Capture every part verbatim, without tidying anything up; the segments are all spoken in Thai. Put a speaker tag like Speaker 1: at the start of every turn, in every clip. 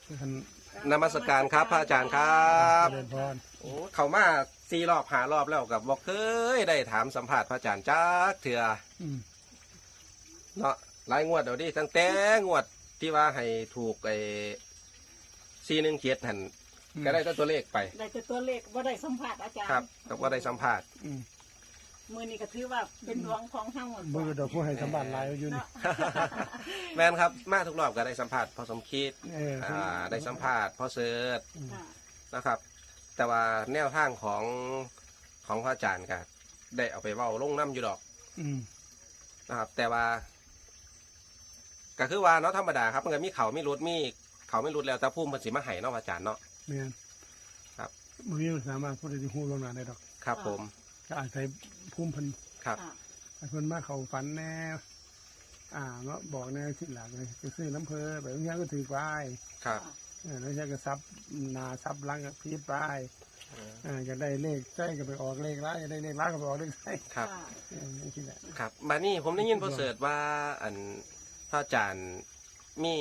Speaker 1: นมัสการครับพระอาจารย์ครับ
Speaker 2: เจริญพร
Speaker 1: โอ้เขามาสี่รอบหารอบแล้วกับบอกเคยได้ถามสัมภาษณ์พระอาจารย์จักเถื่อเนาะหลายงวดเดี๋ยวดิตั้งแต่งวดที่ว่าให้ถูกไอ้สี่หนึ่งเจ็ดหันก็ได้ตัวเลขไป
Speaker 3: ได้แต่ตัวเลขว่าได้สัมผัสอาจารย์
Speaker 1: ครับแต่ว่าได้สัมภาษณ์
Speaker 3: มือนี้ก็ถือว่าเป็นดวงของทั้งหมด
Speaker 2: มือเดี๋ยวผู้ให้สัมภาษณ์หลายอยู่นี่
Speaker 1: แม่นครับมาทุกรอบก็ได้สัมภาษณ์พอสมคิดอ่าได้สัมภาษณ์พอเสิร์ชนะครับแต่ว่าแนวทางของของพระอาจารย์ก็ได้เอาไปเว้าลงน้ำอยู่ดอกนะครับแต่ว่าก็คือว่าเนาะธรรมดาครับมันก็มีเขาไม่รุดมีเขาไม่รุดแล้วแต่พุ่มมันสิมาไห้เนาะอาจารย์เนาะ
Speaker 2: แม่น
Speaker 1: ครับ
Speaker 2: มือนี้สามารถพูดได้หูลงหน้าได้ดอก
Speaker 1: ครับผม
Speaker 2: ก็อาศัยพุ่มพัน
Speaker 1: ครับ
Speaker 2: เพิ่นมาเขาฝันแน่อ่าเนาะบอกแน่สิหลักเลยจะซื้อน้ำเพอแบบนี้ก็ถือไป
Speaker 1: ครับ
Speaker 2: แล้วใช่ก็ซับนาซับลังกับพีดไปอ่าจะได้เลขใช่ก็ไปออกเลขร้ายจะได้เลขร้ายก็ไปออกเลขใช่
Speaker 1: ครับ
Speaker 2: นี่คิดแหละ
Speaker 1: ครับมานี่ผมได้ยินพอเสิร์ชว่าอันพระอาจารย์มี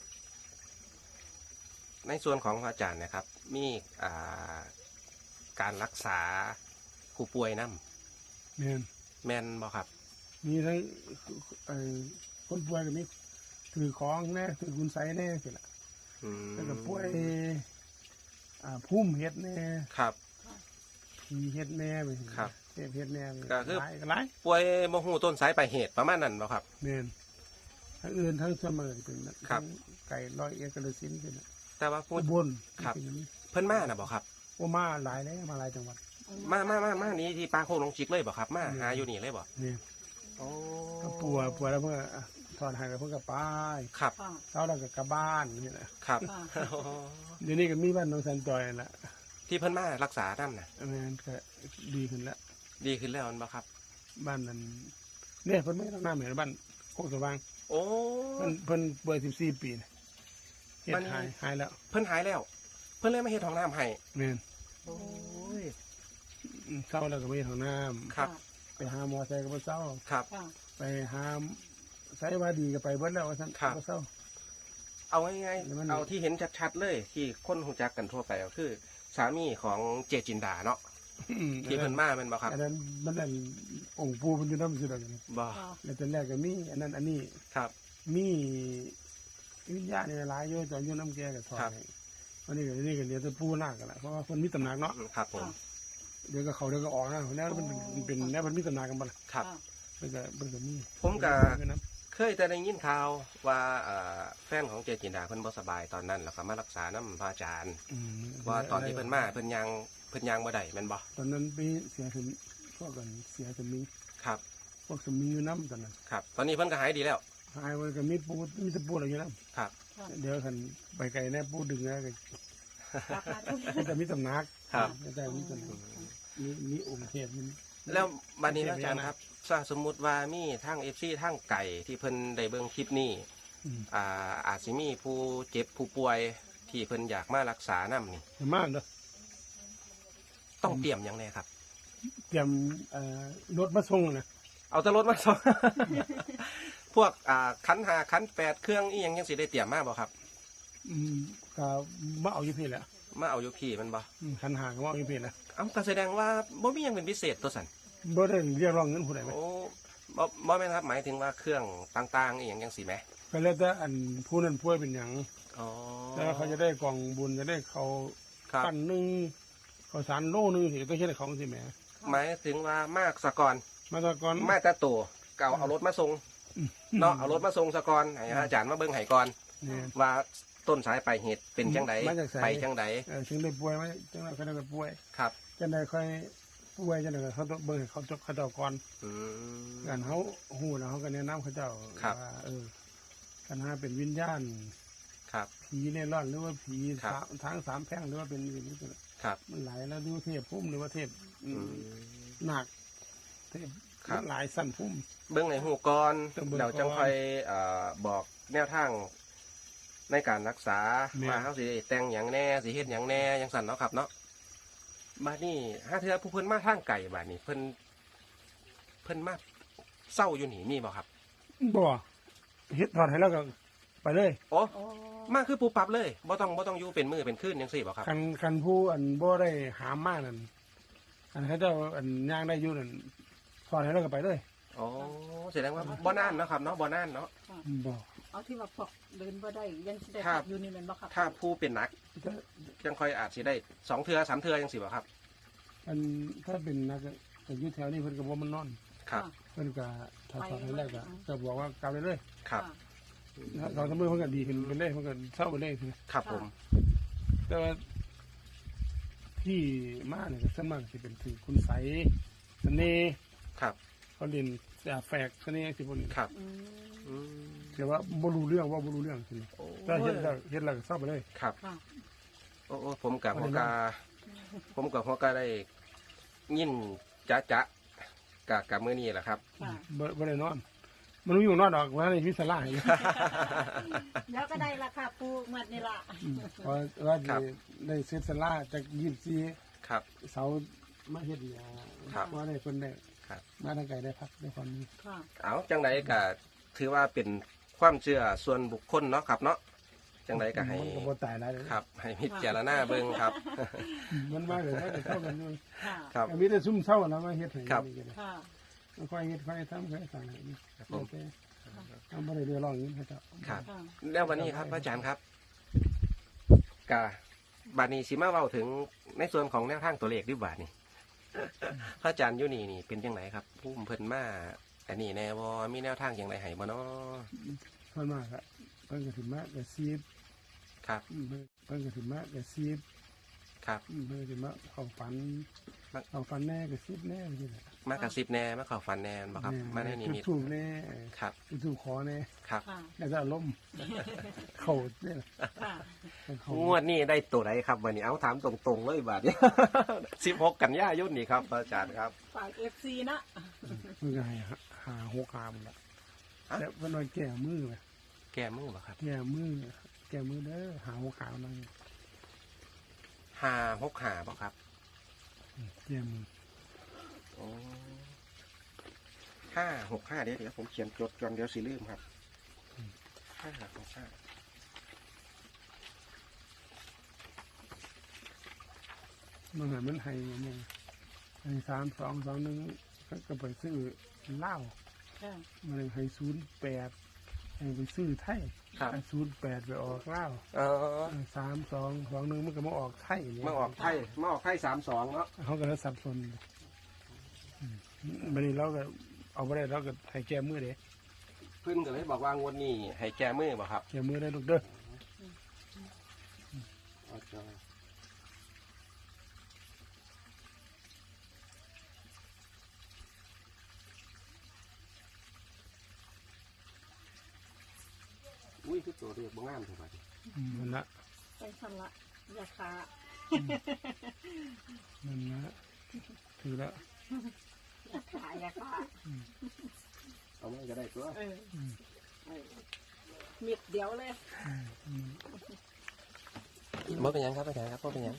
Speaker 1: ในส่วนของพระอาจารย์นะครับมีอ่าการรักษาผู้ป่วยน้ำ
Speaker 2: แม่น
Speaker 1: แม่นบ่ครับ
Speaker 2: มีทั้งคนป่วยก็มีถือของแน่ถือคุณไสแน่สิล่ะแล้วก็ป่วยอ่าพุ่มเห็ดแน่
Speaker 1: ครับ
Speaker 2: ผีเห็ดแน่ไป
Speaker 1: ครับ
Speaker 2: เห็ดเห็ดแน่
Speaker 1: ก็คือ
Speaker 2: ไร
Speaker 1: ป่วยโมหูต้นสายปลายเหตุประมาณนั้นบ่ครับ
Speaker 2: แม่นทั้งอื่นทั้งเสมอเป็นทั้งไก่ลอยเอกระสินเป็น
Speaker 1: แต่ว่าพูด
Speaker 2: บน
Speaker 1: ครับเพิ่นมาน่ะบ่ครับ
Speaker 2: โอ้มาหลายแล้วมาหลายจังหวัด
Speaker 1: มามามามานี้ที่ปลาโคงลงจิกเลยบ่ครับมาหาอยู่นี่เลยบ่
Speaker 2: นี่
Speaker 1: โอ้
Speaker 2: ปัวปัวแล้วเพื่อถอนหายกับเพื่อกลับบ้าน
Speaker 1: ครับ
Speaker 2: เช้าเรากับกลับบ้านนี่แหละ
Speaker 1: ครับ
Speaker 2: เดี๋ยวนี้ก็มีบ้านน้องสันจอยแหละ
Speaker 1: ที่เพิ่นมารักษาน้ำน่ะ
Speaker 2: แม่นก็ดีขึ้นแล้ว
Speaker 1: ดีขึ้นแล้วบ่ครับ
Speaker 2: บ้านนั้นเนี่ยเพิ่นไม่ต้องน้ำเหมือนบ้านโคกสว่าง
Speaker 1: โอ้
Speaker 2: เพิ่นเพิ่นป่วยสิบสี่ปีเฮ็ดหายหายแล้ว
Speaker 1: เพิ่นหายแล้วเพิ่นเลยมาเฮ็ดห้องน้ำให้
Speaker 2: แม่น
Speaker 1: โอ้ย
Speaker 2: เศร้าแล้วก็ไปห้องน้ำ
Speaker 1: ครับ
Speaker 2: ไปหาหมอใส่ก็ไปเศร้า
Speaker 1: ครับ
Speaker 2: ไปหาใส่ว่าดีก็ไปเบิ้ลแล้วท่านก็เศร้า
Speaker 1: เอาง่ายๆเอาที่เห็นชัดๆเลยที่คนหูจักกันทั่วไปก็คือสามีของเจจินดาเนาะที่เพิ่นมาเป็นบ่ครับ
Speaker 2: อันนั้นมันนั่นองค์ปู่มันอยู่น้ำสุดเลย
Speaker 1: บ่
Speaker 2: แล้วตอนแรกก็มีอันนั้นอันนี้
Speaker 1: ครับ
Speaker 2: มีวิญญาณในหลายโยจอมอยู่น้ำแก่กับทองวันนี้ก็นี่ก็เดี๋ยวจะปูหน้ากันละเพราะว่าคนมีตำหนักเนาะ
Speaker 1: ครับผม
Speaker 2: เดี๋ยวก็เขาเดี๋ยวก็ออกนะแล้วมันเป็นแล้วมันมีตำหนักกันบ้าง
Speaker 1: ครับ
Speaker 2: มันก็มันก็มี
Speaker 1: ผมก็เคยแต่ได้ยินข่าวว่าแฟนของเจจินดาเพิ่นบ่สบายตอนนั้นแล้วก็มารักษาน้ำพระอาจารย์ว่าตอนที่เพิ่นมาเพิ่นยังเพิ่นยังบ่ได้แม่นบ่
Speaker 2: ตอนนั้นไปเสียถึงพวกกันเสียสมิง
Speaker 1: ครับ
Speaker 2: พวกสมิงอยู่น้ำตอนนั้น
Speaker 1: ครับตอนนี้เพิ่นก็หายดีแล้ว
Speaker 2: หายมันก็มีปูมีตะปูอะไรอยู่น้ำ
Speaker 1: ครับ
Speaker 2: เดี๋ยวคันไปไกลแน่ปูดึงนะก็แต่มีตำหนัก
Speaker 1: ครับ
Speaker 2: แต่มีตำหนักมีมีองค์เทพมัน
Speaker 1: แล้วบัดนี้อาจารย์ครับถ้าสมมุติว่ามีทั้ง เอฟ ซี ทั้งไก่ที่เพิ่นได้เบิ่งคลิปนี้อ่าอาจสิมีผู้เจ็บผู้ป่วยที่เพิ่นอยากมารักษานำนี่
Speaker 2: มากเด้อ
Speaker 1: ต้องเตรียมหยังแน่ครับ
Speaker 2: เตรียมเอ่อรถมาส่งนะ
Speaker 1: เอาแต่รถมาส่ง พวกอ่าคันห้าคันแปดเครื่องอีหยังจังสิได้เตรียมมาบ่ครับ
Speaker 2: อืมก็มาเอาอยู่พี่แหละ
Speaker 1: มาเอาอยู่พี่มันบ่
Speaker 2: คันห้าก็มาเอาอยู่พี่นะ
Speaker 1: เอ้าก็แสดงว่าบ่มีหยังเป็นพิเศษตัวสั่น
Speaker 2: บ่ได้เรียกร้องเงินผู้ใดมั้ย
Speaker 1: โอ้บ่บ่แม่นครับหมายถึงว่าเครื่องต่างๆอีหยังจังซี่แหม
Speaker 2: ก็แล้วแต่อันผู้นั้นป่วยเป็นหยัง
Speaker 1: อ๋อ
Speaker 2: แต่เขาจะได้กล่องบุญจะได้เขาปั้นนึงเขาสารโลนึงสิต้องเฮ็ดของสิแหม
Speaker 1: หมายถึงว่ามากสะกอน
Speaker 2: มาสะกอน
Speaker 1: มาแต่ตัวเก่าเอารถมาส่งเนาะเอารถมาส่งสะกอนให้อาจารย์มาเบิ่งให้ก่อนว่าต้นสายปลายเหตุเป็นจังไดไปจังได
Speaker 2: เออถึงได้ป่วยมั้ยจังได๋เขาได้ป่วย
Speaker 1: ครับ
Speaker 2: จังได๋ค่อยป่วยจังได๋เขาต้องเบิ่งเขาจบเขาเจ้าก่อน
Speaker 1: อืม
Speaker 2: กันเฮาฮู้แล้วเฮาก็แนะนำเขาเจ้าว่าเออคันหาเป็นวิญญาณ
Speaker 1: ครับ
Speaker 2: ผีเล่ร่อนหรือว่าผีทางสามแพร่งหรือว่าเป็นอย่างนี้
Speaker 1: ครับ
Speaker 2: มันหลายแล้วดูเทพพุ่มหรือว่าเทพหนักเทพหลายสั้นพุ่ม
Speaker 1: เบื้องในหูก่อนเดี๋ยวจังค่อยบอกแนวทางในการรักษามาเขาสิแต่งอย่างแน่สิเฮ็ดอย่างแน่อย่างสั่นเนาะครับเนาะบ้านนี้ถ้าเธอผู้เพิ่นมาทางไก่บ้านนี้เพิ่นเพิ่นมาเศร้าอยู่หนีมีบ่ครับ
Speaker 2: บ่เฮ็ดถอดให้แล้วก็ไปเลย
Speaker 1: โอ้มาคือปูปรับเลยบ่ต้องบ่ต้องอยู่เป็นมือเป็นคืนจังซี่บ่ครับ
Speaker 2: คันคันผู้อันบ่ได้หามมากนั่นอันเขาเจ้าอันย่างได้อยู่นั่นพอให้เราก็ไปเลย
Speaker 1: อ๋อแสดงว่าบ่นานเนาะครับเนาะบ่นานเนาะ
Speaker 2: บ่
Speaker 3: เอาที่ว่าพอกเดินบ่ได้ยังสิได้
Speaker 1: ครั
Speaker 3: ขั
Speaker 1: บ
Speaker 3: บอยู่นี่แม่นบ่ครับ
Speaker 1: ถ้าผู้เป็นหนักยังค่อยอาจสิได้สองเทื่อสามเทื่อจังซี่บ่ครับ
Speaker 2: อันถ้าเป็นนักแต่อยู่แถวนี้เพิ่นก็บ่มันนอน
Speaker 1: ครับ
Speaker 2: เพิ่นก็ถ้าสอนให้แรกก็จะบอกว่ากลับได้เลย
Speaker 1: ครับ
Speaker 2: ถ้าสองสามมื้อเพิ่นก็ดีขึ้นไปเลยเพิ่นก็เศร้าไปเลย
Speaker 1: ครับผม
Speaker 2: แต่ว่าที่มาเนี่ยก็ส่วนมากสิเป็นถือคุณใสเสน่ห์
Speaker 1: ครับ
Speaker 2: เขาเรียนแต่แฝกเสน่ห์สิพวกนี้
Speaker 1: ครับ
Speaker 3: อืม
Speaker 1: อืม
Speaker 2: แต่ว่าบ่รู้เรื่องว่าบ่รู้เรื่องสิ
Speaker 1: โอ้
Speaker 2: ถ้าเฮ็ดแล้วเฮ็ดแล้วก็เศร้าไปเลย
Speaker 1: ครับ
Speaker 3: ค่ะ
Speaker 1: โอ้โอ้ผมกับหัวกา ผมกับหัวกาได้ยินจ๊ะจ๊ะกับกับมื้อนี้แหละครับ
Speaker 3: ค่ะ
Speaker 2: บ่บ่ได้นอน มันรู้อยู่นอนดอกว่าในวิสลาอยู่
Speaker 3: เดี๋ยวก็ได้ละค่ะปูหมดนี่ล่ะ
Speaker 2: อืมเพราะว่า
Speaker 1: ครั
Speaker 2: ได้
Speaker 1: บ
Speaker 2: ได้เซตสลาจากยี่สิบสี่
Speaker 1: ครับ
Speaker 2: เสามาเฮ็ดเนี่ย
Speaker 1: ครับ
Speaker 2: ว่าได้เพิ่นได้
Speaker 1: ครับ
Speaker 2: มาทางไกลได้พักได้ความนี้
Speaker 3: ค่ะ
Speaker 1: เอาจังไดก็ถือว่าเป็นความเชื่อส่วนบุคคลเนาะครับเนาะจังไดก็ให้
Speaker 2: มันก็บ่ตายหลายเลย
Speaker 1: ครับ ให้พิจารณาเบิ่งครับ
Speaker 2: มันมาเลยว่าจะเท่ากันอยู่
Speaker 3: ค่ะ
Speaker 1: ครับ
Speaker 2: แต่มีแต่ซุ่มเศร้าแล้วมาเฮ็ดให้
Speaker 1: ครับ
Speaker 2: นี่ก็ได้
Speaker 3: ค่ะ
Speaker 2: ค่อยเฮ็ดค่อยทำค่อยสั่งให้นี่
Speaker 1: ครับผม
Speaker 2: โอเคทำบ่ได้เดือดร้อนอย่างนี้ครับ
Speaker 1: ครับ
Speaker 3: ค่ะ
Speaker 1: แล้ววันนี้ครับพระอาจารย์ครับกาบาดนี้สิมาเว้าถึงในส่วนของแนวทางตัวเลขดิบาดนี่พระอาจารย์อยู่นี่นี่เป็นจังไดครับผู้เพิ่นมาอันนี้แน่บ่มีแนวทางจังไดให้บ่เนาะ
Speaker 2: เพิ่นมากอะเพิ่นก็ถึงมากก็ซีบ
Speaker 1: ครับ
Speaker 2: อืมเพิ่นก็ถึงมากก็ซีบ
Speaker 1: ครับ
Speaker 2: อืมเพิ่นก็ถึงมากเข้าฝัน
Speaker 1: มา
Speaker 2: เข้าฝันแน่ก็ซีบแน่จังซี่แหละ
Speaker 1: มากระซิบแน่มาเข้าฝันแน่บ่ครับ มาในนิมิต
Speaker 2: จุดถูกแน่
Speaker 1: ครับ
Speaker 2: จุดถูกขอแน่
Speaker 1: ครับ
Speaker 3: ค่ะ
Speaker 2: แล้วก็อารมณ์ เข้าเนี่ย
Speaker 3: ค่ะ
Speaker 2: เข้าง
Speaker 1: วดนี้ได้ตัวไหนครับวันนี้เอาถามตรงๆเลยบาดนี้ สิบหกกันยายนนี่ครับพระอาจารย์ครับ
Speaker 3: ฝ่าย เอฟ ซี นะ
Speaker 2: มันก็ให้หาหาหกหาหมดละ
Speaker 1: ฮะ
Speaker 2: แล้วเพิ่นว่าแก้มือไหม
Speaker 1: แก้มือบ่ครับ
Speaker 2: แก้มือแก้มือเด้อหาหกหานั่น
Speaker 1: ห้าหกห้าบ่ครับ
Speaker 2: แก้มือ
Speaker 1: โอ้ห้าหกห้าเดี๋ยวเดี๋ยวผมเขียนจดก่อนเดี๋ยวสิลืมครับห้าหกห้า
Speaker 2: มันเหมือนมันให้เนี่ยให้สามสองสองหนึ่งก็ไปซื้อเหล้า
Speaker 3: ค่ะ
Speaker 2: มันเลยให้ศูนย์แปดให้ไปซื้อไทย
Speaker 1: ครับ
Speaker 2: ศูนย์แปดไปออกเหล้า
Speaker 1: เออ
Speaker 2: สามสองสองหนึ่งมันก็มาออกไทยเนี่ย
Speaker 1: มาออกไทยมาออกไทยสามสองเนาะ
Speaker 2: เขาก็เลยสับสนอืมวันนี้เราก็เอาไปได้เราก็ให้แก้มือเด้
Speaker 1: เพิ่นก็เลยบอกว่างวดนี้ให้แก้มือบ่ครับ
Speaker 2: แก้มือได้ลูกเด้อ
Speaker 1: อุ้ยคือตัวเรียกบ่งามเท่าไหร่
Speaker 2: อืมมันละ
Speaker 3: ไปชำระยาคา
Speaker 2: มันละถือละ
Speaker 3: ยาคายาคา
Speaker 1: เอาไม่ก็ได้ตัว
Speaker 3: เออเออมิดเดียวเลย
Speaker 2: อืม
Speaker 1: บ่เป็นหยังครับอาจารย์ครับบ่เป็นหยัง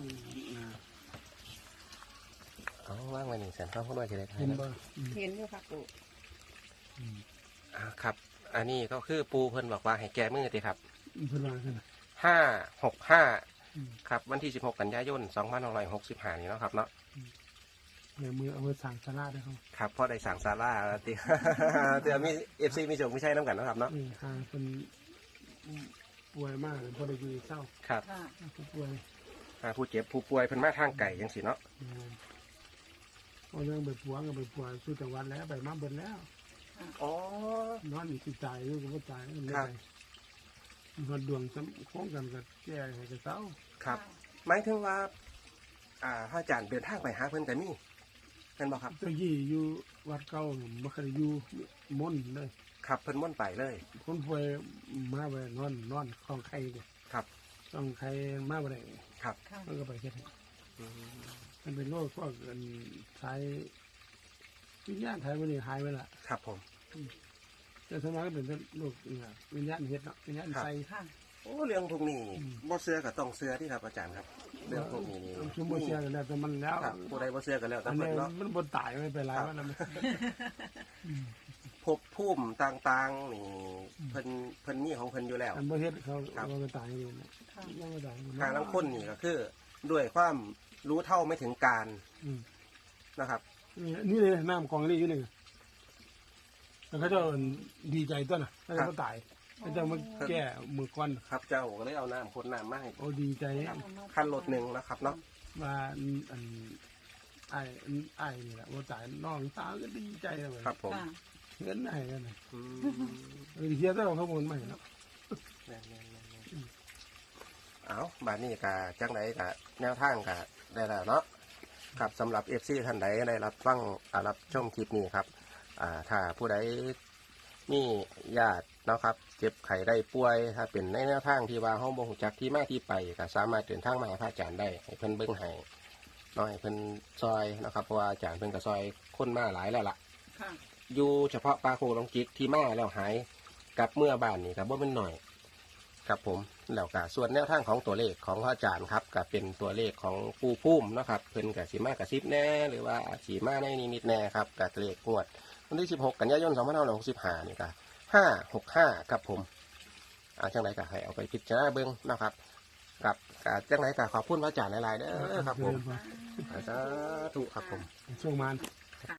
Speaker 1: เอาว่างไว้นี่แสนข้าวพูดว่าจะได้ไทย
Speaker 2: เห็น
Speaker 1: นะ
Speaker 2: บ่อืม
Speaker 3: เห็นอยู่ค่ะปู
Speaker 2: อืม
Speaker 1: อ่าครับ อันนี้ก็คือปูเพิ่นบอกว่าให้แก้มือติครับ
Speaker 2: เพิ่นว่ากันนะ
Speaker 1: ห้าหกห้า
Speaker 2: อืม
Speaker 1: ครับวันที่สิบหกกันยายนสองพันหกร้อยหกสิบห้านี่เนาะครับเนาะ
Speaker 2: แก้มือเอาไปสั่งสลาดได้เขา
Speaker 1: ครับพ่อได้สั่งซาร่าแล้วติ เดี๋ยวมีเอฟซีมีโจงไม่ใช่น้ำกันเนาะครับเนาะ
Speaker 2: เออหาเป็นป่วยมากพอได้กินเศร้า
Speaker 1: ครับ
Speaker 3: ค่ะ
Speaker 2: ผู้ป่วย
Speaker 1: อ่าผู้เจ็บผู้ป่วยเพิ่นมาทางไก่ยังสิเนาะ
Speaker 2: อืมเอาเรื่องไปปัวก็ไปปัวสู้จังหวัดแล้วไปมาเบิดแล้ว
Speaker 1: อ๋อน
Speaker 2: อนอีกสิตายอยู่ก็บ่ตายมันไม่
Speaker 1: ครับ
Speaker 2: ไปมันดวงซ้ำโค้งกันกับแก่ให้กับเศร้า
Speaker 1: ครับหมายถึงว่า อ่าพระอาจารย์เดินทางไปหาเพิ่นกันนี่เป็นบอกครับ
Speaker 2: เจ้ายี่อยู่วัดเก่าบ่เคยอยู่มนต์เลย
Speaker 1: ครับเพิ่นม่วนไปเลย
Speaker 2: คนป่วยมาไปนอนนอนคลองไข่เด้
Speaker 1: ครับ
Speaker 2: คลองไข่มาบ่ได้
Speaker 1: ครับ
Speaker 3: ค่ะ
Speaker 2: มันก็ไปเฮ็ดให้
Speaker 1: อืม
Speaker 2: มันเป็นโรคพวกอันสายวิญญาณไทยมันนี่หายไปละ
Speaker 1: ครับผม
Speaker 2: แต่สวนมัยก็เป็นโรคเนี่ยวิญญาณเฮ็ดเนาะวิญญาณใส่
Speaker 3: ค่ะ
Speaker 1: โอ้เรื่องพวกนี้
Speaker 2: อืม
Speaker 1: บ่เชื่อก็ต้องเชื่อที่ครับอาจารย์ครับ เรื่องพวกนี้นี่
Speaker 2: ชุมบ่เสียกันแล้วแต่มันแล้ว
Speaker 1: ครับผู้ใดบ่เชื่อกันแล้วแต่
Speaker 2: อัน
Speaker 1: เพิ่
Speaker 2: นี้
Speaker 1: นเนาะ
Speaker 2: มันบ่ตายไม่เป็นไร
Speaker 1: ครับ
Speaker 2: ว่าแล้วมัน
Speaker 1: ภพภูมิต่างๆนี่เพิ่นเพิ่นมีของเพิ่นอยู่แล้ว
Speaker 2: อันบ่เฮ็ดเขา
Speaker 1: ครับ
Speaker 2: เราก็ตายเลยนะ
Speaker 3: ค่ะ
Speaker 2: ยังไม่ตาย
Speaker 1: ทางน้ำข้นนี่ก็คือ ด้วยความรู้เท่าไม่ถึงการ
Speaker 2: อืม
Speaker 1: นะครับ
Speaker 2: นี่นี่เลยน้ำกองนี่อยู่นี่แล้วเขาเจะดีใจต้นน่ะแล้วเขาตายเขาเจะมาแก้มือก้อน
Speaker 1: ครับเจ้าก็เลยเอาน้ำข้นน้ำมาให้
Speaker 2: โอ้ดีใจ
Speaker 1: ขั้นรถหนึ่งนะครับเนาะ
Speaker 2: ว่าอันอันไอ้อันไอ้นี่แหละว่าตายน้องสาวก็ดีใจเลย
Speaker 1: ครับผม
Speaker 3: ค่ะ
Speaker 2: เงินไอ้กันนะ
Speaker 1: อืม
Speaker 2: เออเฮียต้องเอาข้อมูลใหม่เนาะ
Speaker 1: แม่นๆๆเอาบาดนี้กะจังไดกะแนวทางกะได้แล้วเนาะครับสำหรับ เอฟ ซี ท่านใดได้รับฟังอ่ารับชมคลิปนี้ครับอ่าถ้าผู้ใดมีญาติเนาะครับเจ็บไข้ได้ป่วยถ้าเป็นในแนวทางที่ว่าห้องบ่ฮู้จักที่มาที่ไปก็สามารถเดินทางมาหาพระอาจารย์ได้ให้เพิ่นเบิ่งให้เนาะให้เพิ่นซอยนะครับเพราะว่าอาจารย์เพิ่นก็ซอยคนมาหลายแล้วล่ะ
Speaker 3: ค่ะ
Speaker 1: อยู่เฉพาะปลาโคลองจิกที่มาแล้วหายกลับเมื่อบ้านนี่ครับว่าเป็นหน่อยครับผมแล้วก็ส่วนแนวทางของตัวเลขของพระอาจารย์ครับก็เป็นตัวเลขของปูพุ่มเนาะครับเพิ่นกับสีมากับซิบแน่หรือว่าสีมาในนิมิตแน่ครับกับเลขงวดวันที่สิบหกกันยายนสองพันห้าร้อยหกสิบห้านี่ก็ห้าหกห้าครับผมอาจังไรก็ให้เอาไปพิจารณาเบิ้งนะครับกับกับจังไรก็ขอบคุณพระอาจารย์หลายๆเด้อครับผมสาธุครับผม
Speaker 2: ช่วงมัน